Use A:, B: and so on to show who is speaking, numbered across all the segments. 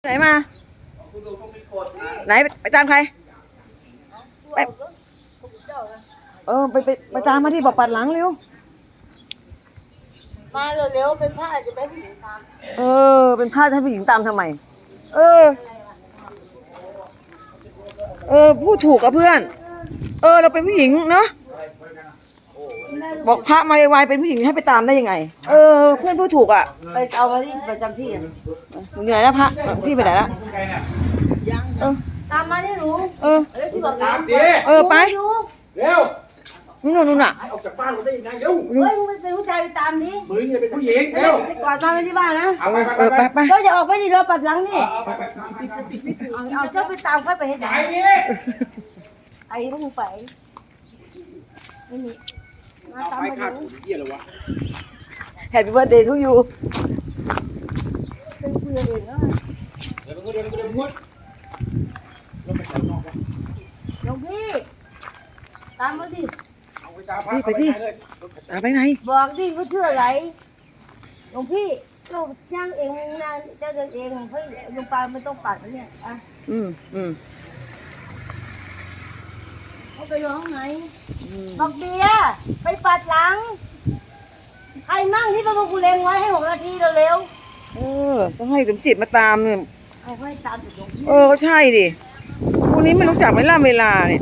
A: ไหนมาไหนไปตามใครไปไปตามมาที่บอกปัดหลังเร็ว
B: มาเร็วๆเป็นผ้าจะไปผู้หญิงตาม
A: เป็นผ้าให้ผู้หญิงตามทำไมพูดถูกกับเพื่อนเราเป็นผู้หญิงเนาะบอกพระมาไวๆเป็นผู้หญิงให้ไปตามได้ยังไงเพื่อนพูดถูกอ่ะ
B: ไปเอามาที่ประจำที่
A: มึงอยู่ไหนนะพระพี่ไปไหนละ
B: ตามมาที่หนูที่บอกตาม
A: ไป
C: เร็ว
A: นู่นอ่ะ
C: ออกจากบ้านเราได้ยังไงเร็ว
B: เฮ้ยมึงเป็นผู้ชายไปตามดิ
C: มึงจะเป็นผู้หญิงเร็ว
B: กอดตามไปที่บ้านนะ
A: ไป
B: ก็จะออกไปดิเราปัดหลังนี่เอาเจ้าไปตามค่อยไปให้ได้ไอ้พวกมึงไปไม่มีมาตามมาดู
C: เหี้ยอะไรวะ
A: Happy birthday to you
B: เป็นเพื่อนเองเนาะ
C: เดี๋ยวมึงก็เดินมุดแล้วไปใส่นอกวะ
B: หลวงพี่ตามมาดิ
A: ไปที่ไปไหน
B: บอกดิเขาชื่ออะไรหลวงพี่เราย่างเองนะเจ้าเดินเองเฮ้ยลุงปาไม่ต้องปัดนะเนี่ยอ่ะเขาไปร้องไหนบอกเบียร์ไปปัดหลังใครมั่งที่พระกูเลงไว้ให้6 นาทีเร็ว
A: ต้องให้สมจิตมาตามเนี่ย
B: ให้ตามจุดลง
A: ก็ใช่ดิพวกนี้ไม่รู้จักเวลาเนี่ย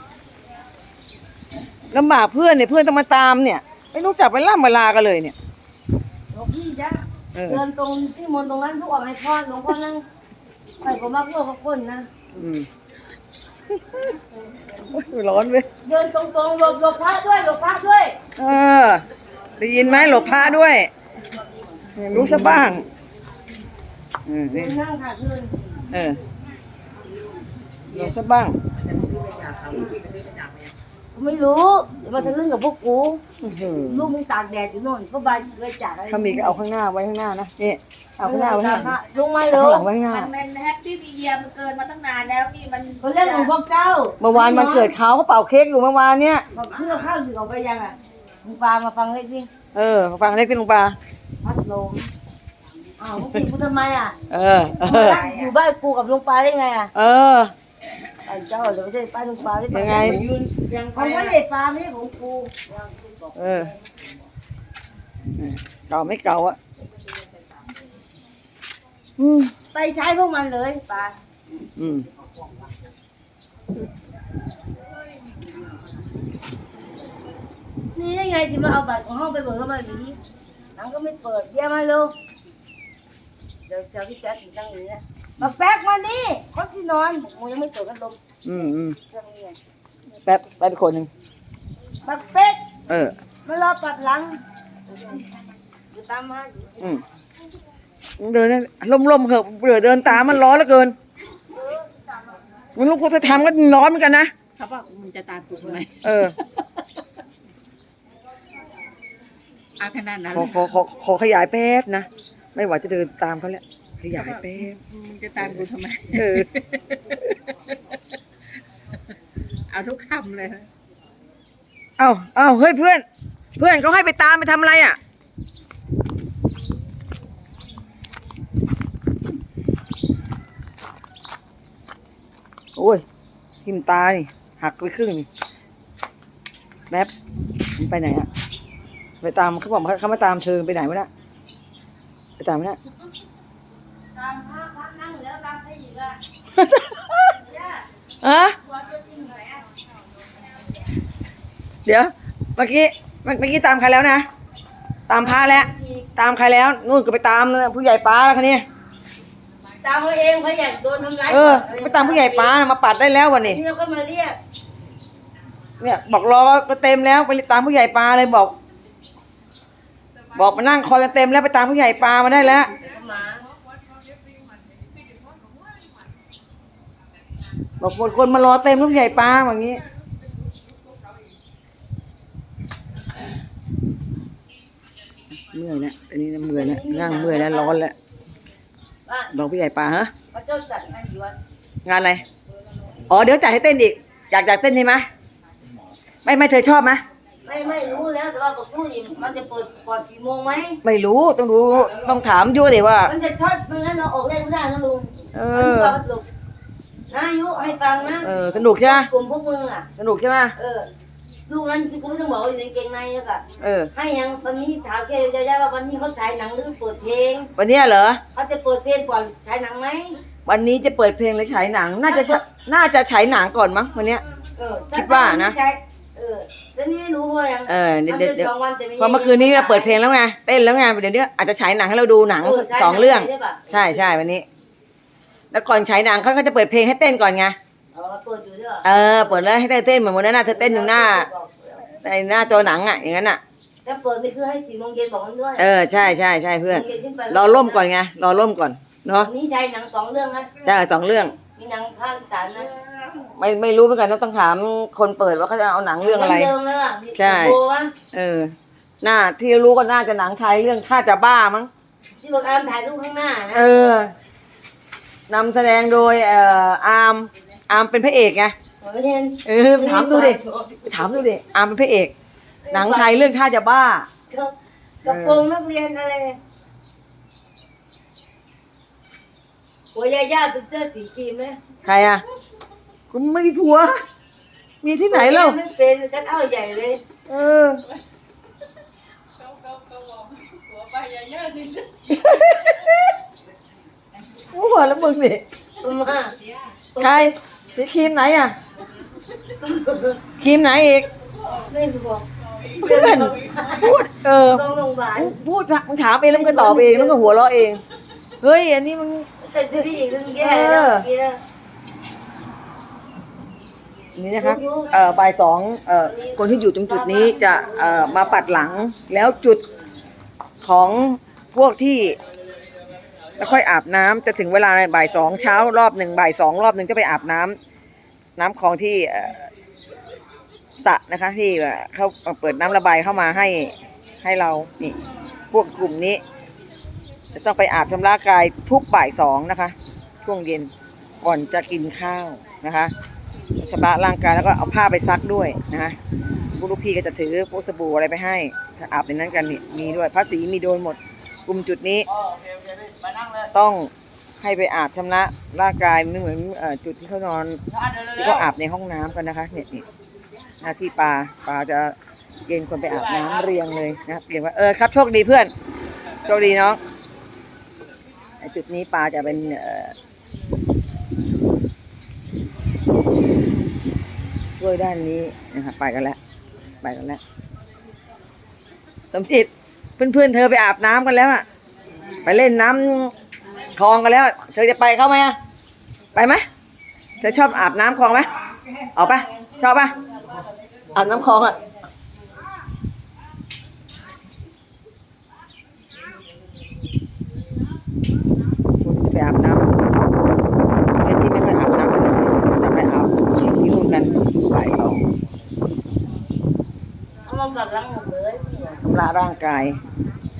A: ลำบากเพื่อนเนี่ยเพื่อนต้องมาตามเนี่ยไม่รู้จักเวลากันเลยเนี่ย
B: หลวงพี่จ้ะเดินตรงที่มนตรงนั้นทุกออกให้พ่อหลวงพ่อนั่งไปผมมาพวกคนนะ
A: ร้อนเว้ย
B: เดินตรงหลบพระด้วย
A: ได้ยินไหมหลบพระด้วยรู้ซะบ้าง
B: นั่งค่ะเพื่อน
A: รู้ซะบ้าง
B: ไม่รู้มาทะลึ่งกับพวกกูลูกมึงตากแดดอยู่โน่นก็ใบเลยจาก
A: ถ้ามีก็เอาข้างหน้าไว้ข้างหน้านะนี่เอาข้างหน้าไว้ข้างหน้า
B: ลงมาเลย
A: ไว้ข้างหน้า
D: มันแฮปปี้มีเยียมันเกินมาตั้งนานแล้วนี่มัน
B: เขาเรียกหลวงพ่อเจ้า
A: เมื่อวานมันเกิดเขาเป่าเค้กอยู่เมื่อวานเนี้ย
B: เพื่อข้าวสื่อออกไปยังอ่ะลุงปามาฟังเลยสิ
A: ฟังเล็กที่ลุงปา
B: พัดลมพวกพี่กูทำไมอ่ะอยู่บ้านกูกับลุงปาได้ไงอ่ะไอ้เจ้าเดี๋ยวไม่ใช่ป้าลุงปาได้
A: ยังไง
B: เขาไม่ได้ปาไม่ใช่ของกู
A: เก่าไม่เก่าอ่ะ
B: ไปใช้พวกมันเลยปานี่ได้ไงที่มาเอาบัตรของห้องไปเปิดเข้ามาดีหนังก็ไม่เปิดเยี่ยมมาลูกเดี๋ยวเจ้าพี่แป๊กอยู่ตั้งนี้นะมาแป๊กมาดิคนที่นอนผมยังไม่เปิดกันลม
A: แป๊บไปเป็นคนหนึ่ง
B: มาแป๊กมารอปัดหลังอยู่ตามมา
A: เดินล่มๆเหอะเบื่อเดินตามมันร้อนเหลือเกินมันลูกพุทธธรรมก็ร้อนเหมือนกันนะครับ
D: ว่ามันจะตามกูทำไมขนาดนั้น
A: ขอขยายแป๊บนะไม่ไหวจะเดินตามเขาแล้วขยายแป๊บ
D: มันจะตามกูทำไมเอาทุกคำเลย
A: เอาเฮ้ยเพื่อนเขาให้ไปตามไปทำอะไรอ่ะโอ้ยทิ่มตานี่หักไปครึ่งนี่แป๊บมันไปไหนอ่ะไปตามเขาบอกเขามาตามเธอไปไหนวะเนี่ยไปตามไหมเนี่ย
B: ตามพระนั่งแล้วตามใครอีกอ่
A: ะเดี๋ยวเมื่อกี้ตามใครแล้วนะตามพระแล้วตามใครแล้วนู่นก็ไปตามผู้ใหญ่ป้าแล้วคันนี้
B: ตามเขาเองเขาอยากโดนทำร้าย
A: ไปตามผู้ใหญ่ป้ามาปัดได้แล้ววันนี้
B: นี่เราก็มาเรียก
A: เนี่ยบอกรอก็เต็มแล้วไปตามผู้ใหญ่ป้าเลยบอกมานั่งคอยกันเต็มแล้วไปตามผู้ใหญ่ป้ามาได้แล้วบอกคนมารอเต็มผู้ใหญ่ป้าอย่างนี้เมื่อยนะอันนี้เมื่อยนะนั่งเมื่อยแล้วร้อนแล้วบอกผู้ใหญ่ป้าฮะงานอะไรเดี๋ยวจ่ายให้เต้นอีกอยากเต้นใช่ไหมไม่เธอชอบไหม
B: ไม่รู้แล้วแต่ว่าบอกตู้นี่มันจะเปิดก่อน4 โมงไหม
A: ไม่รู้ต้องดูต้องถามยุดิว่า
B: มันจะช็อตไม่งั้นเราออกเลขไม่ได้นะลุง
A: เอ
B: มัน
A: อ
B: จะลุกนะยุให้ฟังนะ
A: สนุกใช่ไหม
B: กลุ่มพวกมึงอ่ะ
A: สนุกใช่ไหม
B: ลูกนั้นกูไม่ต้องบอกว่าอยู่ในกางเกงในแล้วก็
A: เออ
B: ให้ยังวันนี้ถามแค่ยายๆว่าวันนี้เขาฉายหนังหรือเปิดเพลง
A: วันเนี้ยเหรอ
B: เขาจะเปิดเพลงก่อนฉายหนังไหม
A: วันนี้จะเปิดเพลงหรือฉายหนัง น่าจะฉายหนังก่อนมั้งวันเนี้ย คิดว่านะ
B: ใช่แล้วนี่ไม่รู้ว่ายัง
A: เดี๋ยว
B: มันเป็น2 วันแต่ไม่
A: เพราะเมื่อคืนนี้เราเปิดเพลงแล้วไงเต้นแล้วไงเดี๋ยวนี้อาจจะฉายหนังให้เราดูหนัง
B: ฉาย
A: 2 เรื่อง
B: ได้ปะ
A: ใช่วันนี้ แล้วก่อนฉายหนังเขาก็จะเปิดเพลงให้เต้นก่อนไง
B: เปิดอยู่ด้วย
A: เปิดแล้วให้เต้นเหมือนวันนั้นน่ะเธอเต้นอยู่หน้าในหน้าจอหนังอ่ะอย่างนั้นอ่ะ
B: ถ้าเปิดนี่คือให้4 โมงเย็นบอกมันด้วย
A: ใช่เพื่อน
B: 4 โมงย็ขึ้นไป
A: รอร่มก่อนไงรอร่มก่อนเนาะ
B: วันนี้ฉายหนัง2 เรื่องนะ
A: ใช่2 เรื่อง
B: มีหนังภาคอีสานนะ
A: ไม่รู้เหมือนกันต้องถามคนเปิดว่าเขาจะเอาหนังเรื่องอะไร
B: เดิมแล้วอ่ะ
A: ใช่
B: โบวะ
A: น่าที่รู้ก็น่าจะหนังไทยเรื่องท่าจะบ้ามั้ง
B: ที่บอกอามถ่ายรูปข้างหน้านะ
A: นำแสดงโดยอาร์มเป็นพระเอกไง
B: ไม่เห็น
A: ไปถามดูดิอาร์มเป็นพระเอก หนังไทยเรื่องท่าจะบ้า
B: กระโปรงนักเรียนอะไรหัวยาย่าเป็นเสื้อสีครีมไหม
A: ใครอ่ะคุณไม่มีผัว มีที่ไหนเล่า
B: ไม่เป็นกันเอาใหญ่เลย
A: เออ
D: หัวไปเยอะๆสิ
A: หัวแล้วมึงนี่
B: มา
A: ใครสีครีมไหนอ่ะครีมไหนอีก
B: ไม่บอก
A: เพื่อนพูด
B: ลงโรงพยาบาล
A: พูดมึงถามเองแล้วมึงก็ตอบเองแล้วก็หัวเราะเองเฮ้ยอันนี้มึง
B: ใส่เสื้อผู้หญิงซึ่งแย่แล้วเมื่อกี้นะ
A: นี่นะครับบ่าย 2คนที่อยู่ตรงจุดนี้จะมาปัดหลังแล้วจุดของพวกที่แล้วค่อยอาบน้ำจะถึงเวลาบ่าย 2เช้ารอบหนึ่งบ่าย 2รอบหนึ่งจะไปอาบน้ำคลองที่สระนะคะที่เขาเปิดน้ำระบายเข้ามาให้เรานี่พวกกลุ่มนี้จะต้องไปอาบชำระกายทุกบ่าย 2นะคะช่วงเย็นก่อนจะกินข้าวนะคะชำระร่างกายแล้วก็เอาผ้าไปซักด้วยนะคะพวกลูกพี่ก็จะถือพวกสบู่อะไรไปให้ถ้าอาบในนั้นกันนี่มีด้วยผ้าสีมีโดนหมดกลุ่มจุดนี้ต้องให้ไปอาบชำระร่างกายไม่เหมือนจุดที่เขานอนที่เขาอาบในห้องน้ำกันนะคะเนี่ยนี่หน้าที่ปลาจะเกณฑ์คนไปอาบน้ำเรียงเลยนะเรียงว่าครับโชคดีเพื่อนโชคดีเนาะจุดนี้ปลาจะเป็นช่วยด้านนี้นะครับไปกันแล้วสมจิตเพื่อนๆเธอไปอาบน้ำกันแล้วอะไปเล่นน้ำคลองกันแล้วเธอจะไปเข้าไหมอะไปไหมเธอชอบอาบน้ำคลองไหมออกปะชอบปะอาบน้ำคลองอะไปอาบน้ำไอ้ที่ไม่ค่อยอาบน้ำจะไปอาบที่นู่นกันบ่าย 2
B: เอามาปัดหลังหมดเลย
A: ชำระร่างกาย